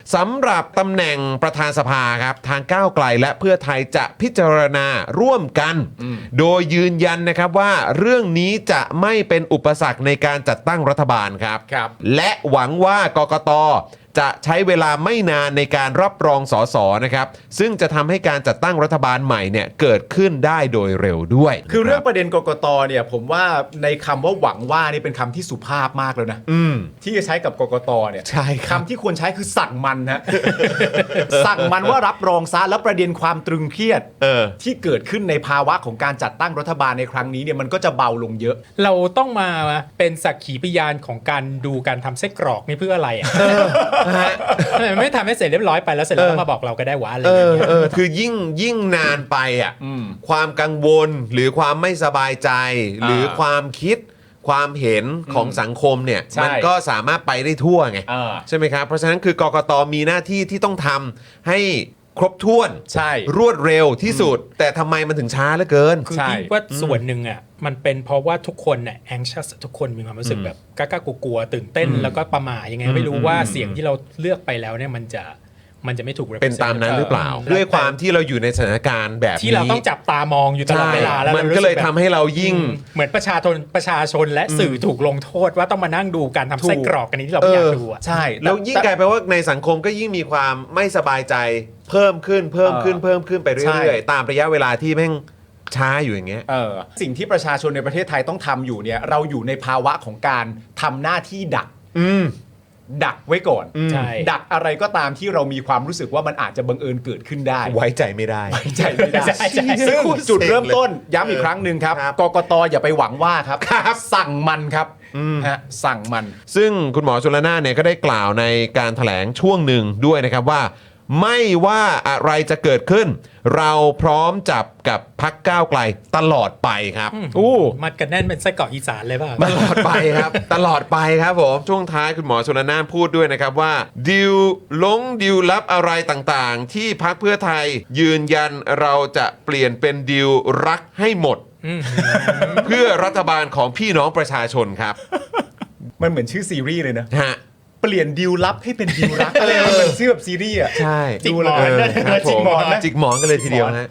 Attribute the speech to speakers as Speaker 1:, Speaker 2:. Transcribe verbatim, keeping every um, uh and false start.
Speaker 1: สำหรับตำแหน่งประธานสภาครับทางก้าวไกลและเพื่อไทยจะพิจารณาร่วมกัน โดยยืนยันนะครับว่าเรื่องนี้จะไม่เป็นอุปสรรคในการจัดตั้งรัฐบาลครับ
Speaker 2: ครับ
Speaker 1: และหวังว่ากกต.จะใช้เวลาไม่นานในการรับรองสสนะครับซึ่งจะทำให้การจัดตั้งรัฐบาลใหม่เนี่ยเกิดขึ้นได้โดยเร็วด้วย
Speaker 2: คือเรื่องประเด็นกกตเนี่ยผมว่าในคำว่าหวังว่านี่เป็นคำที่สุภาพมากแล้วนะ
Speaker 1: อืม
Speaker 2: ที่จะใช้กับกกตเนี่ย
Speaker 1: ใช่ครับ
Speaker 2: คำที่ควรใช้คือสั่งมันฮะ สั่งมันว่ารับรองซะแล้วประเด็นความตรึงเครียด
Speaker 1: เออ
Speaker 2: ที่เกิดขึ้นในภาวะของการจัดตั้งรัฐบาลในครั้งนี้เนี่ยมันก็จะเบาลงเยอะ
Speaker 3: เราต้องมาเป็นสักขีพยานของการดูการทำไส้กรอกนี่เพื่ออะไรอ่ะทำไมไม่ทำให้เสร็จเรียบร้อยไปแล้วเสร็จแล้วก็มาบอกเราก็ได้วะอะไรอ
Speaker 1: เอย่าง อ
Speaker 3: เงี้ย
Speaker 1: เออคือยิ่งยิ่งนานไปอ่ะ
Speaker 2: อืม
Speaker 1: ความกังวลหรือความไม่สบายใจ
Speaker 2: อ่า
Speaker 1: หรือความคิดความเห็นของสังคมเนี่ย
Speaker 2: ใช่
Speaker 1: มันก็สามารถไปได้ทั่วไง
Speaker 2: อ่า
Speaker 1: ใช่ไหมครับ เพราะฉะนั้นคือกกตมีหน้าที่ที่ต้องทำให้ครบถ้วน
Speaker 2: ใช่
Speaker 1: รวดเร็วที่สุด แต่ทำไมมันถึงช้าเหลือเกิน
Speaker 3: คือ
Speaker 2: ใช่
Speaker 3: คิดว่าส่วนหนึ่งอ่ะมันเป็นเพราะว่าทุกคนเนี่ย anxious ทุกคนมีความรู้สึกแบบกล้าๆกลัวๆตื่นเต้นแล้วก็ประหม่ายังไงไม่รู้ว่าเสียงที่เราเลือกไปแล้วเนี่ยมันจะมันจะไม่ถูก represent
Speaker 1: เป็นตามนั้นหรือเปล่า
Speaker 3: ออ
Speaker 1: ด้วยความที่เราอยู่ในสถานการณ์แบบนี้
Speaker 3: ที่เราต้องจับตามองอยู่ตลอดเวลาแล้ว
Speaker 1: มัน
Speaker 3: รารู้
Speaker 1: ก็
Speaker 3: สึ
Speaker 1: เลย
Speaker 3: แบบ
Speaker 1: ทำให้เรายิ่ง
Speaker 3: เหมือนประชาชนประชาชนและสื่อถูกลงโทษว่าต้องมานั่งดูการทำไส้กรอกกันนี้ที่เราไม่อยากดูอ่ะ
Speaker 2: ใช่
Speaker 1: แล้วยิ่งกลายเป็นว่าในสังคมก็ยิ่งมีความไม่สบายใจเพิ่มขึ้นเพิ่มขึ้น
Speaker 2: เออ
Speaker 1: เพิ่มขึ้นไปเรื่
Speaker 2: ใช่
Speaker 1: อยๆตามระยะเวลาที่แม่งช้าอยู่อย่างเงี้ย
Speaker 2: เออสิ่งที่ประชาชนในประเทศไทยต้องทำอยู่เนี่ยเราอยู่ในภาวะของการทำหน้าที่ดัก
Speaker 1: อืม
Speaker 2: ดักไว้ก่อน
Speaker 3: ใช่
Speaker 2: ดักอะไรก็ตามที่เรามีความรู้สึกว่ามันอาจจะบังเอิญเกิดขึ้นได้
Speaker 1: ไว้ใจไม่ได้
Speaker 2: ไว้ใจไม่ได้
Speaker 3: ใช่ใช่
Speaker 2: ซึ่งจุดเริ่มต้นย้ำอีกครั้งหนึ่งครับ
Speaker 1: ครับ
Speaker 2: กกตอย่าไปหวังว่าครับ สั่งมันครับฮะสั่งมัน
Speaker 1: ซึ่งคุณหมอชลนานเนี่ยก็ได้กล่าวในการแถลงช่วงหนึ่งด้วยนะครับว่า ไม่ว่าอะไรจะเกิดขึ้น เราพร้อมจับกับพรรคก้าวไกลตลอดไปครับอู้
Speaker 3: มัดกันแน่นเป็นไส้กรอกอีสานเลยเปล่า
Speaker 1: ตลอดไปครับ ตลอดไปครับผม ช่วงท้ายคุณหมอชลนานพูดด้วยนะครับว่าดิวลงดิวลับอะไรต่างๆ ที่พรรคเพื่อไทยยืนยันเราจะเปลี่ยนเป็นดิวรักให้หมด เพื่อรัฐบาลของพี่น้องประชาชนครับ
Speaker 2: มันเหมือนชื่อซีรีส์เลยนะ
Speaker 1: ฮะ
Speaker 2: เปลี่ยนดิวลับให้เป็นดิวรักอะไรมันเหมือนชื่อแบบซีรีส์อ่ะ
Speaker 1: ใช่
Speaker 3: จิกหมอน
Speaker 1: เออครับ
Speaker 2: จิกหมอนนะ
Speaker 1: จิกหมอนกันเลยทีเดียวนะ